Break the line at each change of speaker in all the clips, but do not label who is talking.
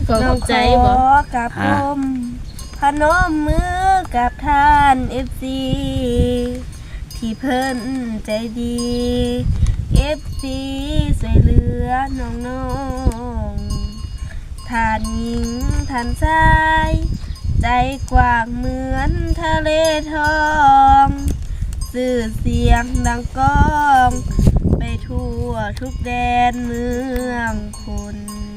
ขอบใจบ่กับผมพนมมือกับท่านFCที่เพิ่นใจดีFC ช่วยเหลือน้องๆท่านหญิงท่านชายใจกว้างเหมือนทะเลทองสื่อเสียงดังก้องไปทั่วทุกแดนเมืองคน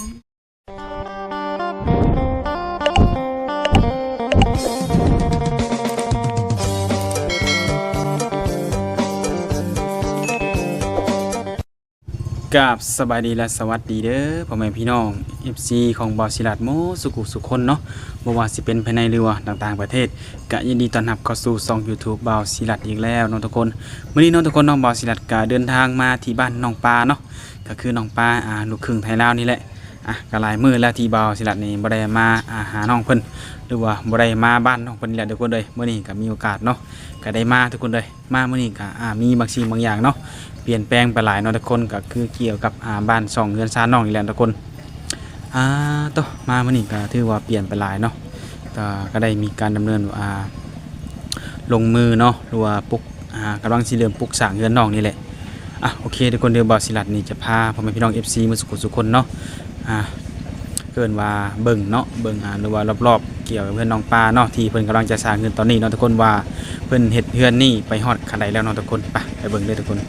กับสบายดีและสวัสดีเด้อพ่อแม่พี่น้อง FC ของบอสิลัดโมสุกุสุคนเนาะบ่ว่าสิเป็นภายในหรือว่าต่างๆประเทศก็ยินดีต้อนรับเข้าสู่ช่อง YouTube บอสิลัดอีกแล้วน้องทุกคนมื้อนี้น้องทุกคนน้องบอสิลัดก็เดินทางมาที่บ้านน้องปลาเนาะก็คือน้องปลาลูกครึ่งไทยลาวนี่แหละก็หลายมื้อแล้วที่บอสิลัดนี่บ่ได้มาหาน้องเพิ่นหรือว่าบ่ได้มาบ้านน้องเพิ่นนี่แหละทุกคนเลยมื้อนี้ก็มีโอกาสเนาะก็ได้มาทุกคนเลยมามื้อนี้ก็มีบางสิ่งบางอย่างเนาะเปลี่ยนแปลงไปหลายเนาะทุกคนก็คือเกี่ยวกับบ้าน2เรือนซานน้องอีกแล้วทุกคนต่อมามื้อนี้ก็ถือว่าเปลี่ยนไปหลายเนาะก็ได้มีการดำเนินลงมือเนาะหรือว่าปลุกกำลังสิเริ่มปลุกสร้างเรือนน้องนี่แหละโอเคทุกคนเดี๋ยวบอสิลัดนี่จะพาพ่อแม่พี่น้อง FC มาสุขคนเนาะเกินว่าเบิ่งเนาะเบิ่งหรือว่ารอบๆเกี่ยวกับเพื่อนน้องปลาเนาะที่เพิ่นกำลังจะสร้างเรือนตอนนี้เนาะทุกคนว่าเพิ่นเฮ็ดเรือนนี่ไปฮอดขั้นใดแล้วเนาะทุกคนไปเบิ่งเลยทุกคน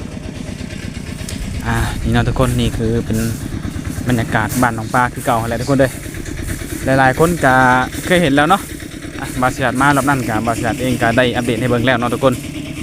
นี่เนาะทุกคนนี่คือเป็นบรรยากาศบ้านน้องปลาคือเก่าอะไรทุกคนเลยหลายๆคนก็เคยเห็นแล้วเนาะบาสิลัดมารอบนั้นกับบาสิลัดเองก็ได้อัปเดตให้เบิ่งแล้วเนาะทุกคน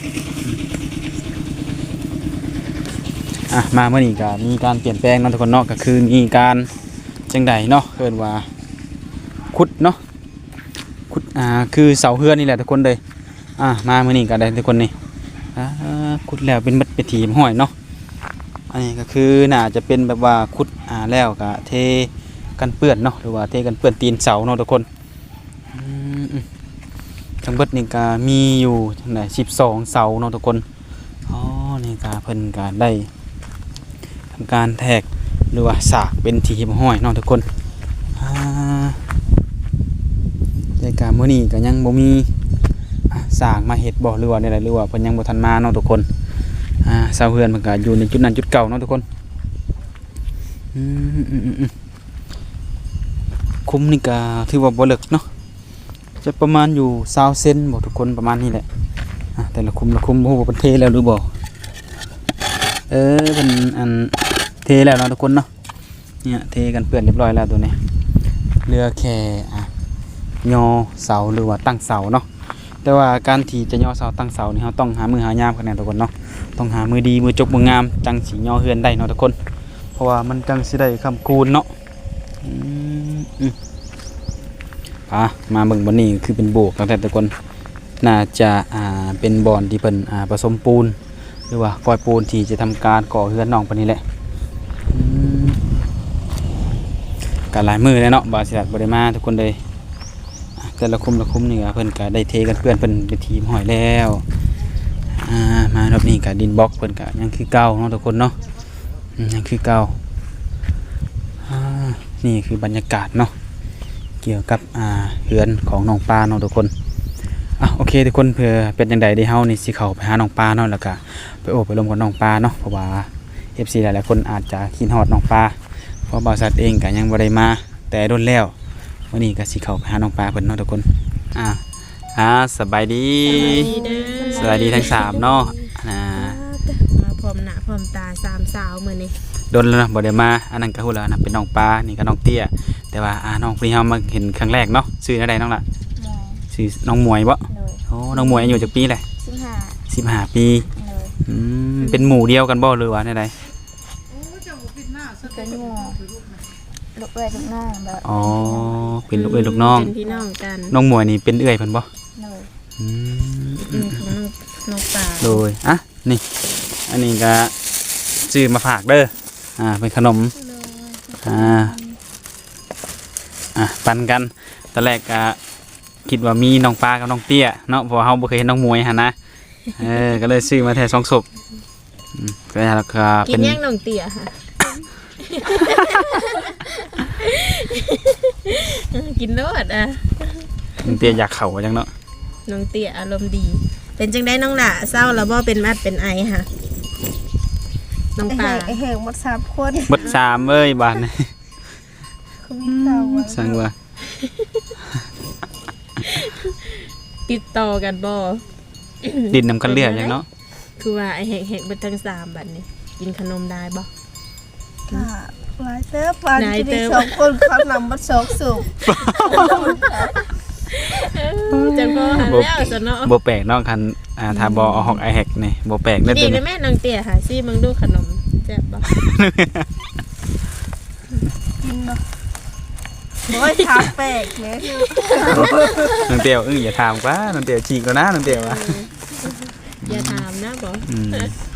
มาเมื่อนี้ก็มีการเปลี่ยนแปลงเนาะทุกคนเนาะก็คือมีการจังใดเนาะเกินว่าขุดเนาะขุดคือเสาเฮือนนี่แหละทุกคนเลยมาเมื่อนี้ก็ได้ทุกคนนี่ขุดแล้วเป็นมัดเป็นถีมห้อยเนาะอันนี้ก็คือน่าจะเป็นแบบว่าขุดแล้วก็เทกันเปื้อนเนาะหรือว่าเทกันเปื้อนตีนเสาเนาะทุกคนทั้งเบิดนี่ก็มีอยู่ทั้งไหน12เสาเนาะทุกคนนี่ก็เพิ่นก็ได้ทำการแทกหรือว่าสากเป็นถีบห้อยเนาะทุกคนในการมื้อนี้ก็ยังบ่มีสากมาเฮ็ดบ่หรือว่าอะไรหรือว่าเพิ่นยังบ่ทันมาเนาะทุกคนเสาเฮือนมันก็อยู่ในจุดนั้นจุดเก่าเนาะทุกคนคุ้มนี่ก็ถือว่าบ่เลิกเนาะจะประมาณอยู่20เซนบ่ทุกคนประมาณนี้แหละแต่ละคุ้มบ่ฮู้ว่าเพิ่นเทแล้วหรือบ่เพิ่นเทแล้วเนาะทุกคนเนาะเนี่ยเทกันเปื้อนเรียบร้อยแล้วตัวนี้เหลือแค่ยอเสาหรือว่าตั้งเสาเนาะแต่ว่าการที่จะยอเสาตั้งเสานี่เราต้องหามือหายามกันแน่ทุกคนเนาะต้องหามือดีมือจกมืองามจังสิยอเฮือนได้เนาะทุกคนเพราะว่ามันจังสิได้คำคูณเนาะมาเบิ่งบ่นี้คือเป็นโบกตั้งแต่ทุกคนน่าจะเป็นบ่อนที่เพิ่นผสมปูนหรือว่าก่อยปูนที่จะทำการก่อเฮือนน้องปานนี้แหละการหลายมือแล้วเนาะบาสิลัดบ่ได้มาทุกคนเลยแต่ละคุ้มนี่ก็เพิ่นก็ได้เทกันเพื่อนเพิ่นเป็นทีมหอยแล้วมารอบนี้ก็ดินบล็อกเพิ่นก็ยังคือเก่าเนาะทุกคนเนาะยังคือเก่านี่คือบรรยากาศเนาะเกี่ยวกับเฮือนของน้องปลาเนาะทุกคนโอเคทุกคนเพื่อเป็นจังได๋ที่เฮานี่สิเข้าไปหาน้องปลาเนาะแล้วก็ไปโอบไปลมกับน้องปลาเนาะเพราะว่า FC หลายๆคนอาจจะคิดฮอดน้องปลาเพราะบริษัทเองก็ยังบ่ได้มาแต่โดนแล้ววันนี้ก็สิเข้าไปหาน้องปลาเพิ่นเนาะทุกคนสบายดีสบายดีทั้ง3เนาะ
มาพร้อมหน้าพร้อมตา3สาวมื้อนี้
โดนแล้วบ่ได้มาอันนั้นก็ฮู้แล้วนะเป็นน้องปลานี่ก็น้องเตี้ยแต่ว่าน้องพี่เฮามาเห็นครั้งแรกเนาะชื่ออะไรน้องล่ะชื่อน้องหมวยบ่น้องหมวยอายุจักปีแหละ15ปีเป็นหมู่เดียวกันบ่หรือว่าได
เป็นหมู่ลูกเอ้ยลูกน้องแบบ
เป็นลูกเอ้ยลูกน้อง
เป็นพี่น้องกัน
น้องหมวยนี่เป็นเอื้อยเพิ่นบ่
น้องปลา
โดยนี่อันนี้ก็ซื้อมาฝากเด้อเป็นขนมปันกันตอนแรกก็คิดว่ามีน้องปลากับน้องเตี้ยเนาะเพราะเฮาบ่เคยเห็นน้องมวยหั่นนะก็เลยซื้อมาแท้2ศพก็แล้วก็
เป็นกินย่างน้องเตี้ยค่ะกินโลดอ่ะ
น้องเตี้ยอยากเข้าจังเนาะ
น้องเตี้ยอารมณ์ดี เป็นจังได้น้องหล่ะเศร้าแล้วบ่เป็นมัดเป็นไอค่ะน้องปลา
ไอ้แหงหมด3คน
เบิด3เอ้ยบาดนี้
เขามีเก่าอะ
สั่งว่า
ติดต่อกันบ่
ดินนำกันเลือดจังเนาะ
คือว่าไอ้แหกๆเบิดทั้ง3บัดนี้กินขนมได้บ่
ค่ะหลายเติบวัน
หลาย
จะ
เติ
มี
บ
2คนเขานำมา2สูบ
จังบ่หันแล้วซะเนาะ
บ่แปลกเนาะคันถ้าบ่เอาฮอกไอแฮกนี่บ่แปลกเด้อ
ดี
ตัว
นะ
นี้
แม่น้องเตี้ยค่ะซี่มึงดูขนมแซ่บบ่
กินเนาะโอ้ยทาแปลกเนี่ย
น้องเตี้ยอย่าถามกว่าน้องเตี้ยฉีกแล้วนะน้องเตี้ยว่า
อย่าถามนะบ่
อืม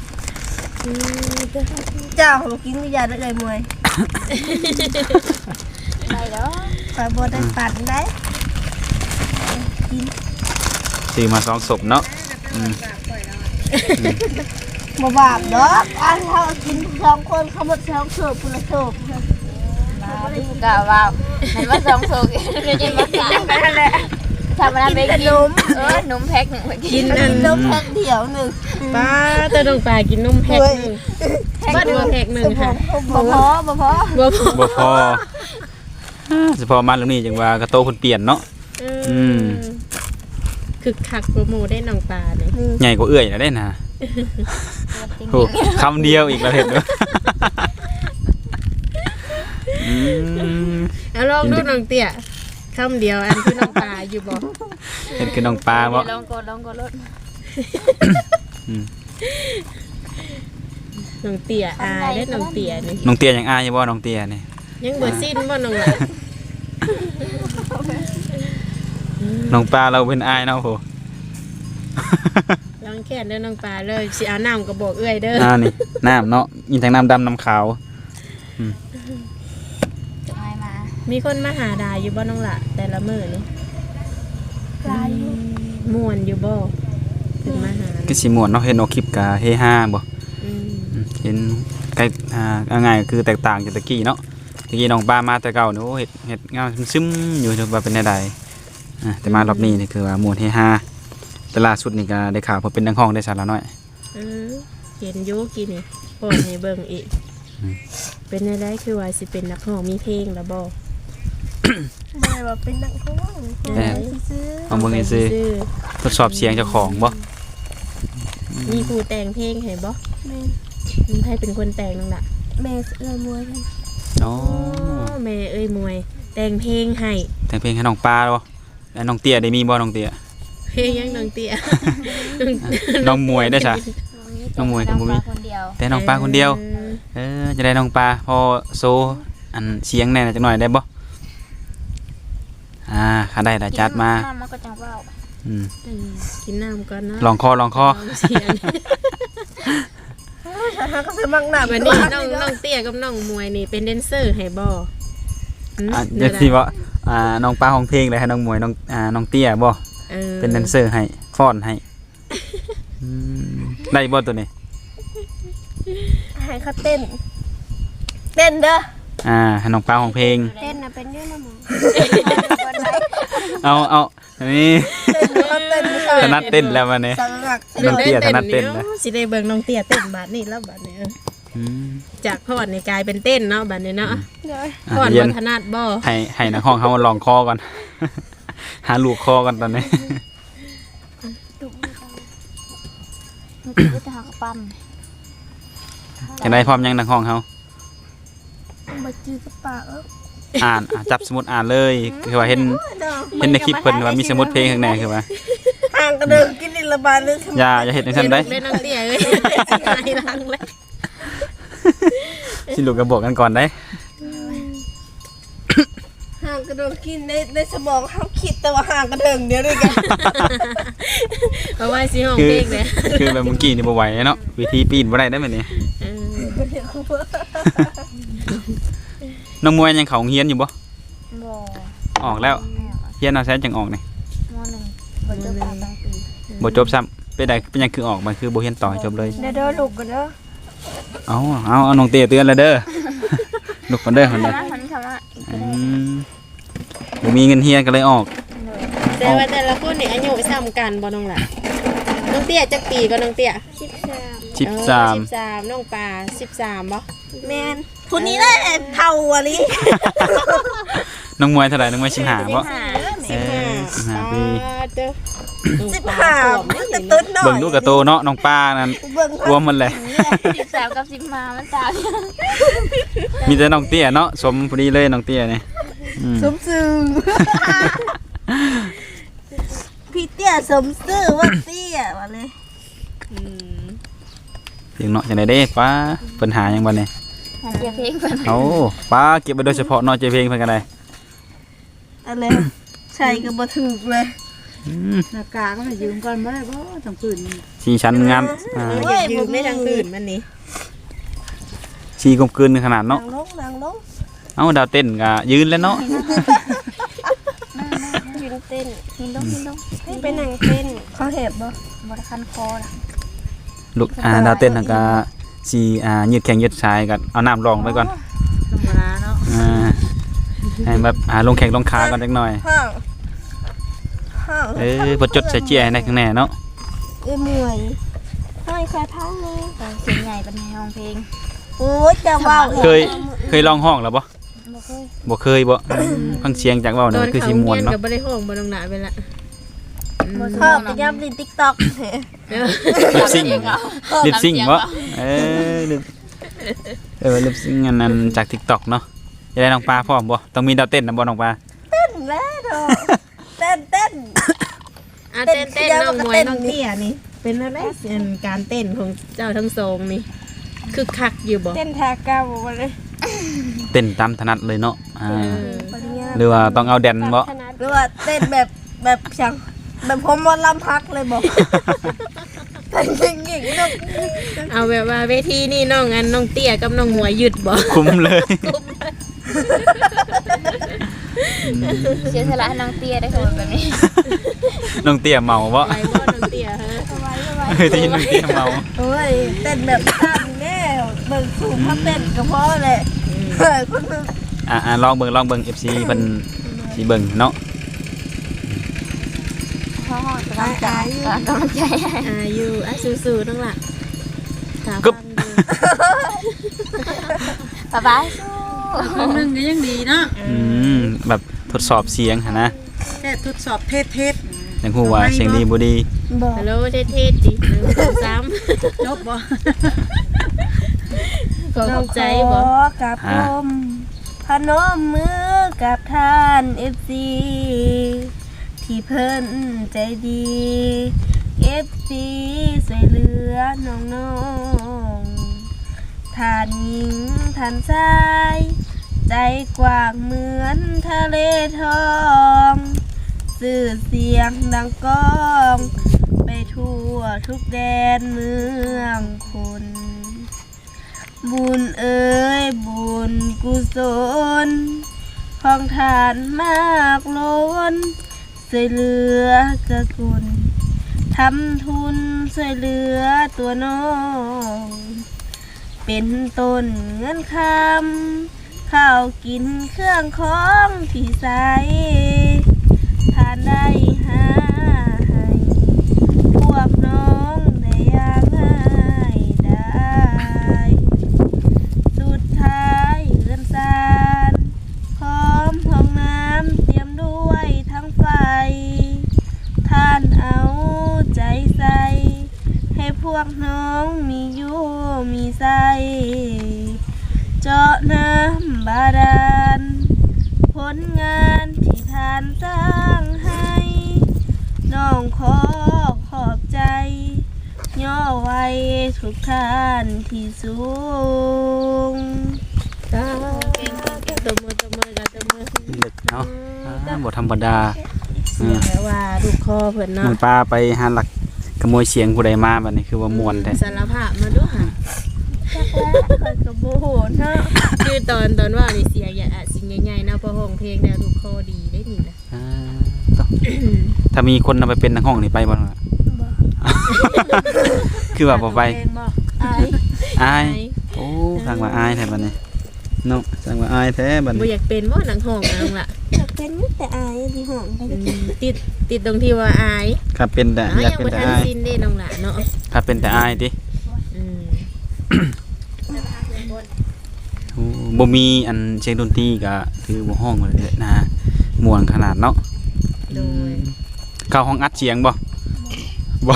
เจ้าของกินวิญญาณได้เลยมวย
ได้แล้ว
ไปบ่ได้ปั่นได้
ซื้อมา2ศพเนาะอืม
บ่บาปดอกอันเขากิน2คนเขาหมด2สูบคนละสูบ
ที่กะว่ามันว่า2สุกเดี๋ยวจะมา3กันนั่นแหละทำอะไรไปกินนมแพ็ค1ไปกิ
กิ
น
นอัน
นมแพ็คเดียวหนึ่ง
ป้าตะน้องปลากินนมแพ็คหนึงบ้านว่าแพ็คหนึงค่ะ
บ่พอ
บ่พอ
บ่พอสิพอมาแล้วนี่จังว่ากระโตเพิ่นเปลี่ยนเนาะ อืม
คึกคักโปรโมได้น้องปลาเนี่ย
ใหญ่กว่าเอื้อยแล้วได้นะโหคำเดียวอีกแล้วเห็นเด้ออืม
เอาลองดูน้องเตี้ยคำเดียวอันคือน้องปลาอยู่บ่
เห็นคือน้องปลาบ่
ลองกดรถ
น้องเตี้ยอายได้น้องเตี้ยนี่
น้องเตี้ยยังอายอยู่บ่น้องเตี้ยนี่
ยังบ่สิ้นบ่น้องหล่ะ
น้องปลาเราเป็นอายเนาะโห
ลองแค่นเด้อน้องปลาเลยสิเอาน้ำก็บอกเอื้อยเด้อ
นี่น้ำเนาะมีทั้งน้ำดำน้ำขาว
จะให้มา
มีคนมาหาดาอยู่บ่น้องหล่ะแต่ละมื้อนี่
ลายอยู่
ม่วนอยู่บ่ถึงมาหา
ก็สิม่วนเนาะเห็นออกคลิปกะเฮฮาบ่
อืม
เห็นใกล้เอาง่ายๆคือแตกต่างจากตะกี้เนาะตะกี้น้องปลามาแต่เก่าเนาะเฮ็ดงามซึมๆอยู่ว่าเป็นใดๆแต่มารอบนี้นี่คือว่าม่วนเฮฮาแต่ล่าสุดนี่ก็ได้ข่าวว่าเป็นนักร้องได้สาระน้อย
เออเห็นอยู่กี่นี่โพดให้เบิ่งอีก เป็นได้คือว่าสิเป็นนักร้องมีเพลงแล้วบ่
บ่ได้ว่าเป็นนักร้อง
แม่
ซื้อ
เอาเบิ่งซื่อทดสอบเสียงเจ้าของบ่
มีผู้แต่งเพลงให้บ่
แม่
มีใครเป็นคนแต่งนั่นล่ะ
แม่เอื้อมวยกัน
อ๋อ
แม่เอ้ยมวย แต่งเพลงให้
แต่งเพลงให้น้องปลาบ่แล้วน้องเตี้ยได้มีบ่น้องเตี้ย
เพลงยังน้องเตี้ย
น้องมวยได้ซะ น้องมวยกับบ่มี
คนเดียว
แต่น้องปลาคนเดียวจะได้น้องปลาพอโซอันเสียงแน่จักหน่อยได้บ่ข้าได้ละจัดมา
มันก็จังเว้า
อืม
อืมกินน้ำก่อนนะ
ลองคอ
ลองเสียง
ฉันก็คือมักหนา
วันนี้น้องเตี้ยกับน้องมวยนี่เป็นแดนเซอร์ให้บ่หืม
เดี๋ยวสิว่าน้องปลาของเพลงเลยให้น้องมวยน้องเตี้ยบ่
ออ
เป็นแดนเซอร์ให้ฟ้อนให้อืมได้บ่ตัวนี้
ให้เขาเต้น เต้นเด้อ
ให้น้องปลาของเพลง
เต้นน่ะเป็นเรื่องละหมอ
เอาอันนี้
เต้นเขาเต้นเขา
ถนัดเต้นแล้ววันนี้
สังหัก
น้องเตี้ยถนัดเต้นนะ
สิได้เบิ่งน้องเตี้ยเต้นบาดนี้แล้วบาดนี้
อืม
จากพอดนี่กลายเป็นเต้นเนาะบาดนี้เนาะ
เด้อ
พอด
เรีย
บ่
น
ถนัดบ่
ให้นักห้องเขาลองคอก่อน หาลูกคอก่อนตอนนี้
มันก็จะหักปั้น
จะได้พร้อมยังนักห้องเขา
มาจื้อกับปาก
จับสมุดอ่านเลยคือว่าเห็นในคลิปเพิ่นว่ามีสมุดเพลงข้างในคือว่า
ห่างกันเดินกินนิลบาลเลย
อย่าเห็นในชั้นได้
เล่นน้องเตี้ยเอ้ยหายหลังเลย
สิลูกก็บอกกันก่อนได้
ห่างกันเดินกินในสมองเขาคิดแต่ว่าห่างกันเดินเดียวด้วยกัน
เพราะว่าสิห้อง
คือ
เพลงเลย
คือแบบเมื่อกี้นี่บ่ไหวเนาะวิธีปีนบ่ได้ได้แบบนี้
เออ
น้องมวยยังเขาโรงเฮียนอยู่บ่
บ่
ออกแล้วเฮียนเอาแซ่จังออกนี่
ม.1 บ่จบปตั้งปี
บ่จบซ้ำเป็นยังคือออกมาคือบ่เฮียนต่อให้จบเลย
เด้อลูกกันเด้อ
เอาน้องเตี้ยเตือนแล้วเด้อ ลูกกันเด้อคนเด้อ
มันคำว่า
อืมบ่มีเงินเฮียนก็เลยออก
แต่ว่าแต่ละคนนี่อายุซ้ำกันบ่น้องล่ะน้องเตี้ยจักปีก็น้องเตี้ย
13
13น้องปลา13บ่
แมนคนนี้ได้เท่าอะลิ
น้องมวยเท่าไหร่น้องมวย15บ่
15ปี เด้อ
15มันจะตุ้นหน่อย
เบิ่งลูกกระโตเนาะน้องป้านั่น
เบิ่ง
รวมมันเลย
13กับ15มันต่าง
มีแต่น้องเตี้ยเนาะสมพอดีเลยน้องเตี้ยนี่
สมซื่อพี่เตี้ยสมซื่อว่าเตี้ยว่าเลย
เสียงเนาะจังได๋เด้ป้าเพิ่นหาหยังบ่นี่
หาเสียเพลงเพิ่น
เอ้าป้าเก็บไว้โดยเฉพาะเนาะเจเพลงเพิ่นก็ได้
อะไรใช่ก็บ่ถูกเลย
หน้ากากก็มายืมก่อนบ่ได้บ่ต้องปืน
สีชั้นงาม
อยากยืมได้ทางอื่นมันนี่
สีกลมกลืนขนาดเนาะ
นางลง
เอ้าดาวเต้นก็ยืนแล้วเนาะ
ยืนเต้น
หินลง
ให้เป็นหนังเต้นเขาเห็บบ่
บ่ได้คันคอล่ะ
ลูกดาวเต้นนั่นก็สิยืดแข้งยืดซ้ายก็เอาน้ำรองไว้ก่อน
ธรรมดาเนาะ
ให้แบบลงแข้งลงขาก่อนจักหน่อย
ห้าง
บ่จดใส่เจียให้ได้ข้างแน่เนาะ
เมื่อย
ให้ใครพังเลย
เสียงใหญ่เป็นห้องเพลง
โอ้ยจะเว้า
เคยลองห้องแล้วบ่
บ่เคย
บ่เคยบ่ฟังเสียงจากเว้า
ต
นั่
อน
นคือ
เขา
สิม่วน
เรียน
เนาะ
ก็บ่ได้ห้องบ่น้องหนาไปละ
ชอบไปย่ำใน TikTok
ลิปซิงลิปซิงบ่ลิปซิงอันนั้นจาก TikTok เนาะจะได้น้องปลาพร้อมบ่ต้องมีดาวเต้นนำบ่น้องปลา
เต้นแล้วเนาะเต้น
เต้นน้องมวยน้องเตี้ยนี่เป็นอะไรการเต้นของเจ้าทั้งสองนี่คึกคักอยู่บ่
เต้นทาเก้าบ่เลย
เต้นตามถนัดเลยเนาะ
ปริญญา
หรือว่าต้องเอาแดนบ่
ขนาด
หรือว่าเต้นแบบช่างแบบผมมอลำพักเลยบอกเต้นเก่งๆเนาะ
เอาแบบว่าเวทีนี่น้องเตี้ยกับน้องมวยหยุดบ่
คุ้มเลย
เสียสละให้น้องเตี้ยได้คนแบบนี้
น้องเตี้ยเมาบ่
ไปบ่น้องเตี้ยฮะ
ได้ยินน้องเตี้ยเมา
โอ้ยเต้นแบบตั้งแน่เบิ่งสูงพักเต้นก็พอเลยคนนึง
ลองเบิ่ง FC เพิ่นสิเบิ่งเนาะ
พ่อกำลังใจกำลังใจ
อยู่สู้ๆน้องล่ะถาม
กึบ
บ๊ายบาย
คนนึงก็ยังดีเนาะ
แบบทดสอบเสียงหั่นนะ
แค่ทดสอบเทศ
จังฮู้ว่าเสียงดีบ่ดี
ฮัลโหลเท่ๆจิ1 2 3
จบบ่
ขอบใจ
ข
บ่
อกับผมพนมมือกับท่าน FC ที่เพิ่นใจดี FC สวยเหลือน้องๆท่านหญิงท่านชายใจกว้างเหมือนทะเลทองสื่อเสียงดังก้องไปทั่วทุกแดนเมืองคุณบุญเอ๋ยบุญกุศลของทานมากล้นช่วยเหลือกะกุลทำทุนช่วยเหลือตัวน้องเป็นต้นเงินคำข้าวกินเครื่องของที่ใส่ทานได้หาให้พวกน้องได้อย่างง่ายได้สุดท้ายเรือนซานพร้อมห้องน้ำเตรียมด้วยทั้งไฟท่านเอาใจใส่ให้พวกน้องมีอยู่มีใสเจาะน้ำบาดาลผลงานที่ท่านสร้างให้น้องขอขอบใจย่อไว้ทุกท่านที่สูง
ตบมือกับตบมือ
เด็กเนาะบ่ธรรมดา
แปลว่าลูกคอเพิ่น
น้อ
เนาะ
งปลาไปหาหลักขโมยเสียงผู้ใดมาบัดนี้คือว่าม่วนแท้
สารภาพมาดูค่ะ
จักแล้วคอยกับโบโหเนาะ
คือตอนว่านี่เสียอย่าสิ่งใหญ่ๆเนาะพอห้องเพลงแล้วลูกคอดีได้นี่นะ
ถ้ามีคนนำไปเป็นนักห้องนี่ไปบ่ล่ะ คือว่าบ่ไป
เพลงบ่
อายโอ้ทางว่าอายแท้บัดนี้เนาะทางว่าอายแท้บัด
บ่
นี้
อยากเป็นบ่หนังห้องนะลุงล่ะ
จัก
เป็นแต่อายที่ห้องไป
ติดตรงที่ว่าอาย
ครับเป็นแต่
อ้าว
อยาก
ยัง
เป็น
บ่
แต่
ทัน
อาย
สิ้นเด้น้องหล่ะเนาะ
ครับเป็นแต่อายติ
อืม
โอ้บ่มีอันเสียงดนตรีก็คือบ่ห้องเลยนะม่วนขนาดเนาะ
โดย
เข้าห้องอัดเสียงบ่บ่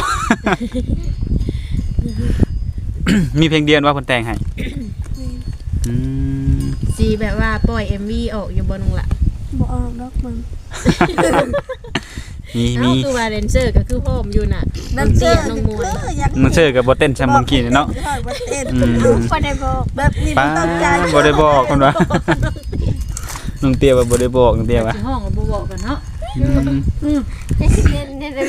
มีเพลงเดียวว่าเพิ่นแต่งให้อืม
สิแบบว่าปล่อย MV ออกอยู่บ่น้องหล่ะ
บ่ออกดอกมึง
มี
เอ้าคือว่าแดนเซอร์ก็คือพร้อมอยู่น่ะ
นั่นเชื่อ
น้องมวย
อยาก
มันเชื่อกับบ่เต้นแซมเมื่อกี้นี่เนาะ
บ่เต้น
อืม
บ่ได้บอก
แบบนี้
ป้า
มันต้องใจ
บ่ได้บอกคนว่าน้องเตี้ยว่าบ่ได้บอกน้องเตี้ยว่า
สิห้องก็บ่บอกกันเนาะ
อืม
เต้นได้ไหม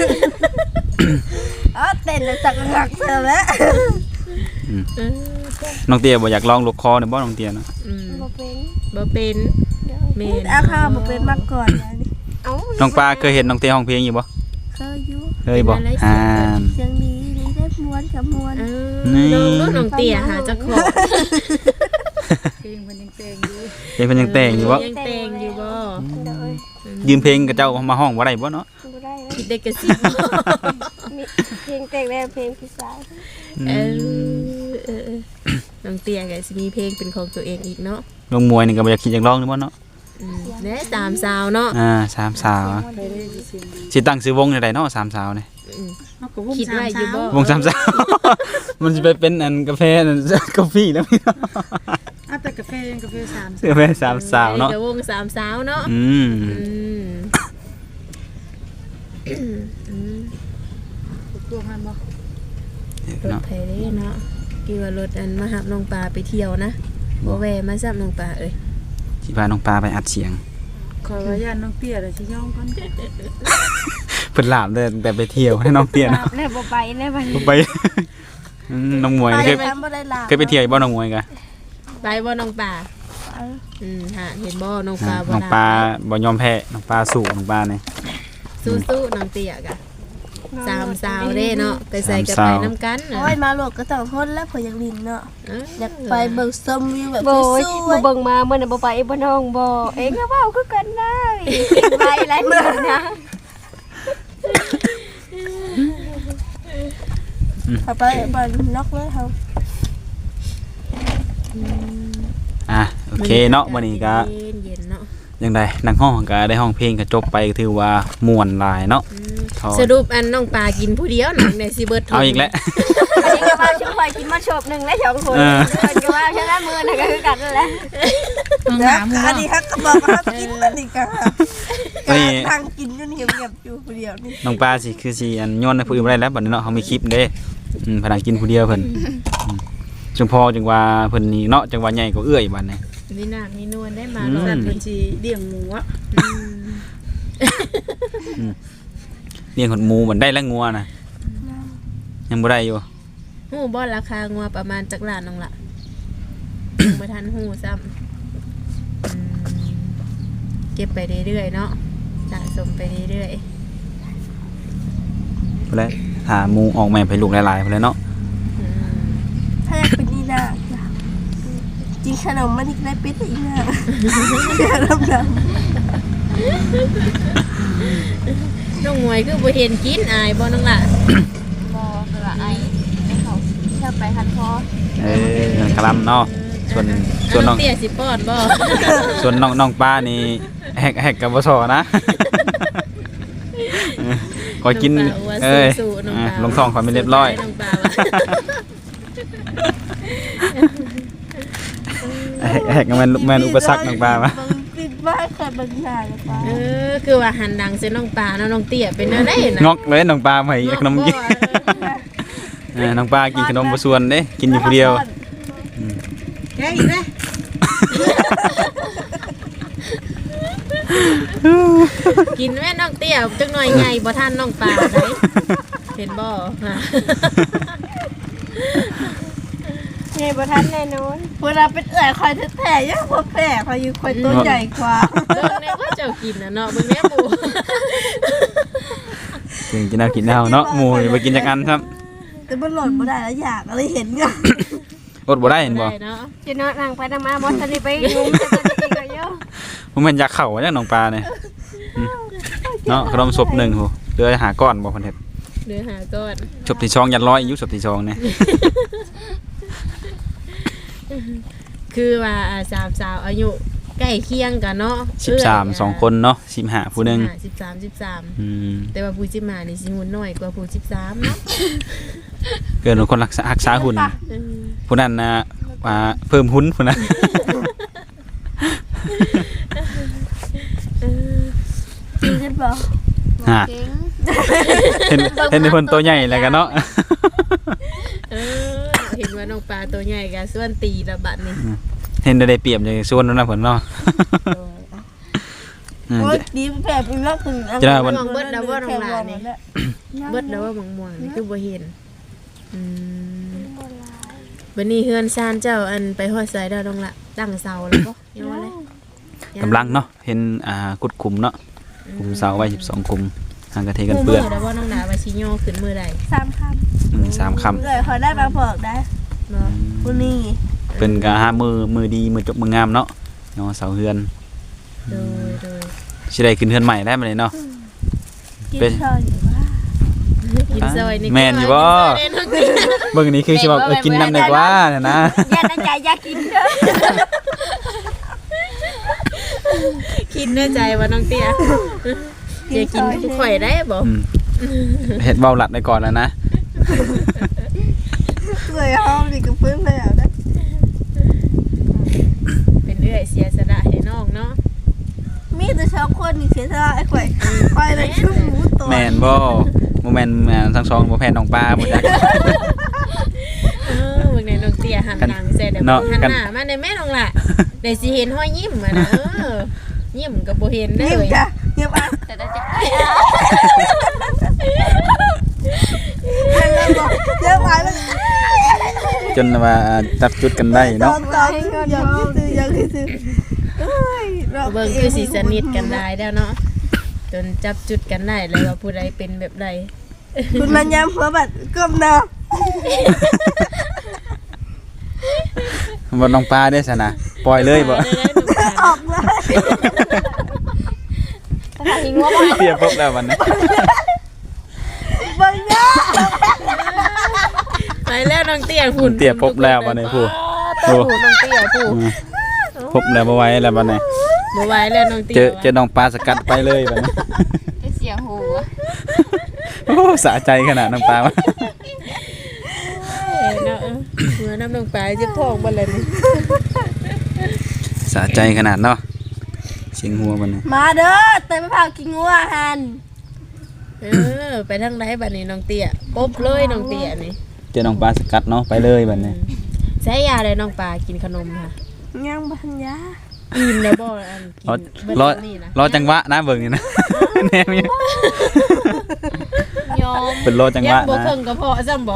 อ๋อเต้นแล้วจักหักเสียแล้ว
เออ
น้องเตี้ยบ่อยากลองลูกคอเนี่ยบ่น้องเตี้ยเนาะ
อืม
บ่เป็น
บ่เป็นแม่น
อาข้าวบ่เป็นมาก่อนนะนี่
เอ้า
น้องปลาเคยเห็นน้องเตี้ยร้องเพลงอยู่บ่
เคยอยู่
เคยบ่อ่า
เสียงดีนี่ได้ม้วนกับม้วน
เออ
นี่
น้องเตี้ยหาเจ้าของ
เพลงมันยังเตงอยู่
เพลงเพิ่นยังแต่งอยู่บ่
ยังแต่งอยู่บ่
เด้อ
ยืมเพลงกับเจ้ามาห้องบ่ได้บ่เนาะ
บ่ได้แล้ว
คิดได้กระซิบ
มีเพลงแต่งแล้วเพลงพี่สาว
เออน้องเตี้ยก็สิมีเพลงเป็นของตัวเองอีกเนาะ
ลงมวยนี่ก็บ่อยากคิดอยากร้องนี่บ่เนาะ
เด้ตามสาวเนาะ
สามสาว
ไปได้สิเสียงดี
สิตั้งชื่อวงจังไดเนาะสามสาวนี่
อืม
เฮาก็วง
คิดไว้อยู่บ่
วงสามสาว มันสิไปเป็นอันกาแฟนั่นกาแฟแล้วพี่เนาะ
เอาแต่กาแฟยังกาแฟ3
กาแฟสามสาวเนาะ
ดี๋ยววงสามสาวเนาะ
อืม
พวกมันบ่
รถ
เนาะ
ไผเด้เนาะกี่ว่ารถอันมาหับน้องปลาไปเที่ยวนะบ่แวะมาซับน้องปลาเอ้ย
สิพาน้องปลาไปอัดเสียง
ขอว่าย่านน้องเตี้ยแล้วสิยอมก่อน
เพิ่นลามเด้อแต่ไปเที่ยวให้น้องเตี้ย
บา
เนาะ
ปแล้วบ่ไปแล้วบัดนี้
ไปน้องมวย
ไป
เคย
แล้วบ่ได้ลา
เคยไปเที่ยวบ่น้องมวยกะ
ไปบ่น้องปลาฮะเห็นบ่น้องปลาบ่
น้องปลาบ่ยอมแพ้น้องปลาสู้น้องปลานี่
สู้ๆน้องเตี้ยกะสามสาวเด้เนาะไปใส่กัน
สาม
ไป
สาว
น้ำกัน
โอ้ยมาโลกก็ต้องทนแล้วเพออยากลินเนาะ อยากไปเบิ่งชมวิวแบบ
โบ
ส
ย
วย
บ่เบิ่งมาเมื่อน่ะบ่ไปบ่น้องบ่เองก็เว้าคือกันได้ไปหลายมื้อนะ
ๆเอาไปบ้านนอกเลยเฮา
โอเคเนาะวันนี้ก็
เย็นๆเนาะ
ยังไดนังห้องก็ได้ห้องเพลงก็จบไปก็ถือว่าม่วนหลายเนาะ ถอน
สรุปอันน้องปลากินผู้เดียวหนังในสิเบิร์ด
เอาอีกแล้ว
อันนี้ก็ว่าชิคอยกินมาชบหนึงและ2คน
เออ
ก็ว่าชนะมื้อน่ะก็คือกันนั่นแหละ
แล้วอันนี้ฮักก็บอกว่ากินอันนี้ก็
นี่
ทางกินอยู่นี่เงียบๆอยู่ผู้เดียวนี่
น้องปลาสิคือสิอันย้อนให้ผู้อื่นบ่ได้แล้วบัดนี้เนาะเฮามีคลิปเด้พนักกินผู้เดียวเพิ่นจังพอจังว่าเพิ่นนี่เนาะจังว่าใหญ่กว่าเอื้อยบัดนี้
มีหนักมีนวลได้มา
อืม
เนาะ
สัตว์เพิ่นสิเลี้ยงหมูอ่ะ
เลี้ยงขนหมูเหมือนได้แล้วงัวน่ะยังบ่ได้อยู่
หูบ่ราคางัวประมาณจักล้านน้องละบ่ทันหูซ้ำเก็บไปเรื่อยๆเนาะสะสมไปเรื่อย
พุ่นแหละถ้าหมูออกแม่ไปลูกหลายๆพุ่นแหละเนาะ
ๆอืม
ถ้าอยากเป็นนี่นาจริงขนมมันอีกได้เป็ดอีกนะขนมด
น้องมวยคือบ่เห็นกินอายบ่น้องละ
บ่คือว่าไอ้เขาชอบไปคันคอ
กะลำเนาะส่วนน้อง
เตี้ยสิป้อนบ่
ส่วนน้องป้านี่แฮกกับบ่ซอนะขอกิน
น้องปลาว่า
เอ้ย
สู้ๆน้องปลา
ลงท้องขอไม่เรียบร้อย
น้องปลาว่า
แฮกมันแม่นอุปสรรคน้องป้ามา
บางติดบ้านเคยบางหน้าเลยป้า
คือว่าหันดังเส้นน้องปลาเนาะน้องเตี้ยเป็นอะไรนะ
งอกเลยน้องป้ามาให้ขนมกินน้องป้ากินขนมบ่ส่วนเด้กินอยู่ผู้เดียว
แกอีกแล้ว
กินแม่น้องเตี้ยจักหน่อยไงบ่ทันน้องปลาได้เห็นบ่ฮะ
ไงบ่ทันแน่นอน
เวลาเป็นเอื่อยคอยแท้ๆยังพอแพ้คอยอยู่คอยตัวใหญ่กว่า
เบิ่งแน่ว่าเจ้ากินน่ะเนาะเบิ่งแน่ปู
กินเอากินเอาเนาะหมูไปกินจักอันครับ
แต่มันหล่นบ่ได้แล้วอยากอะไรเห็นก็
อดบ่ได้เห็นบ่
ได้เนาะ
จะนอนนั่งไปนั่งมาบ่ทันได้ไปงุ้มจะตอนนี้ก็เยอะ
บ่แม่นอยากเข้าจังน้องปลาเนี่ยเนาะขนมศพหนึ่งโหเดือหาก้อนบ่เพิ่นเฮ็ด
เดือหาก้อน
ศพที่ช่องยันร้อยอยู่ศพที่ช่องเนี่ย
คือว่าสามสาวอายุใกล้เคียงกันเนาะ
13 2คนเนาะ15ผู้หนึง
13แต่ว่าผู้15นี่สิหุ่นน้อยกว่าผู้13เนาะ
เกินคนรักษาหุ่นผู้นั้นนะว่าเพิ่มหุ่นผู้นั้น
จริงกันบ่
ฮะ
เก่ง
เห็นในคนตัวใหญ่แล้วกันเนาะ
เห็นว่าน้องปลาตัวใหญ่ก็ส่วนตีละบัดนี่
เห็นได้เปรียบอย่างส่วนนั้นนะเพิ่นเนาะ
โอ้ยดีแบบอีกแล้วถึง
จะได้วัน
เบิดแล้วบ่น้องหลานนี่เบิดแล้วว่าม่วงๆนี่คือบ่เห็นบัดนี้เฮือนซานเจ้าอันไปฮอดไสแล้วน้องละตั้งเสาแล้วบ่ยังว่าเลย
กำลังเนาะเห็นกุดคุมเนาะคุมเสาไว้12คุมห่างกระเทกันเปื้อน
แล้วบ่น้องหลาว่าสิย่อขึ้นมื้อใด
3 คำ
3 คำ
เลยขอได้บางพอกได้
เนาะ
ผู้นี้
เป็นกะหามือดีมือจบมืองามเนาะเนาะเสาเฮือน
โดย
สิได้ขึ้นเฮือนใหม่ได้มื้อนี้เนาะ
กิน
เป็น
ข้าวอยู่ว่า
กินซอยนี่
แม่นอยู่บ่ เบิ่งนี้คือสิว่ากินน้ำได้กว่าน่ะนะ
อย่าตั้งใจอยากกินเด้อ
คิดในใจว่าน้องเตี้ยอย่ากินข่อยได้บ่
เฮ็ดเว้าหลัดได้ก่อนแล้วนะ
เลยห้องนี่ก็เพิ่งเลยอ่ะนะ
เป็นเอื้อยเสียสละให้น้องเนาะ
มีแต่ชาวคนนี่เสียสละไอ้ข่อยข่อยเลยชุ่มหมูตัว
แม่นบ่บ่แม่นทั้งสองบ่แพ้น้องปลาบ่จัก
เบิ่งในน้องเตี้ยหันหลังใส่เดี๋ยว
เนาะ
หันหน้ามาในแม่น้องล่ะได้สิเห็นห้อยยิ้มอ่ะนะยิ้มก็บ่เห็นได้
ยิ้ม
เลย
จ้ะยิ้มอ่ะ
แต่ได้จะ
แล้วบอกยิ้มอ่ะแล้ว
จนว่าจับจุดกันได้
ตอ
เนาะ
นยังคิดซื้อเอ้ยเรา
เบิ่งคือสิสนิทกันได้แล้วเนาะจนจับจุดกันได้แล้วว่าผู้ใดเป็นแบบใด
คุณมันย้ำหัวบัดก้มหน้า
บ่น้องปลาได้ซะนะปล่อยเลยบ่
ออกเลย
ทิ้งว่าบ่
เปรียบปุ๊บแล้ววันนี้
บังเนาะ
ไปแล้วน้องเตี้ยหุ่น
เปรียบปุ๊บแล้ววันนี้ผู้
ผู้น้องเตี้ยผู้
พบแล้วบ่ไหวแล้ววันนี้
บ่ไหวแล้วน้องเตี้ย
เจอน้องปลาสกัดไปเลยบัดนี้
เสียงหู
โอ้สะใจขนาดน้องปลาวะ
เนาะหัวน้ำลงไปเจ็บท้องบ่เลยนี่
สะใจขนาดเนาะเสียงหัวบัดนี้
มาเด้อเตยมะพร้าวกินงัวหัน
ไปทางใดบัดนี้น้องเตี้ยปุ๊บเลยน้องเตี้ยนี่
เจอน้องปลาสกัดเนาะไปเลยบัดนี้
ใช้ยาเลยน้องปลากินขนมค่ะ
ยังบัญญา
อิ่มแล้วบ่อันกินเบิด
รอ
นี่นะ
รอจังหวะนะเบิ่งนี่นะ แนวนี้
ยอม
เป็นรอจังห
ยั
วะ
งบ่
นะ
เพิ่งก็พอซ้ำบ่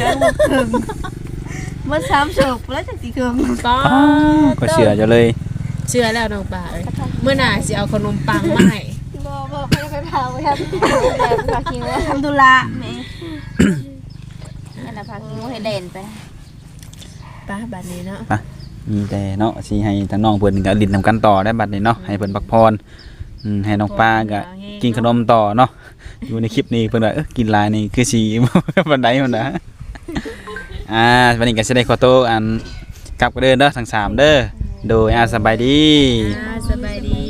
เมื่อ3 ศพแล้วจะสิเคิง
ป้า
ก็เชื่อจะเลย
เชื่อแล้วน้องปลาเอ้ยเมื่อหน่าสิเอาขนมปังมาให้
บ่ไปพาไปครับแบบพาคิงว่า
ทำธุระแม่
อันน่ะพาคิงว่าให้เด่นไป
ป้าบัดนี้เนาะ
มีแต่เนาะสิให้ทางน้องเพิ่นก็ลิ้นนำกันต่อได้บัดนี้เนาะให้เพิ่นพักผ่อนให้น้องปลาก็กินขนมต่อเนาะอยู่ในคลิปนี้เพิ่นว่ากินหลายนี่คือสิ บันไดมันนะวันนี้ก็สิได้ขอโตวอันกลับกันเด้อเนาะทั้งสามเด้อโดยสบายดี
สบายดี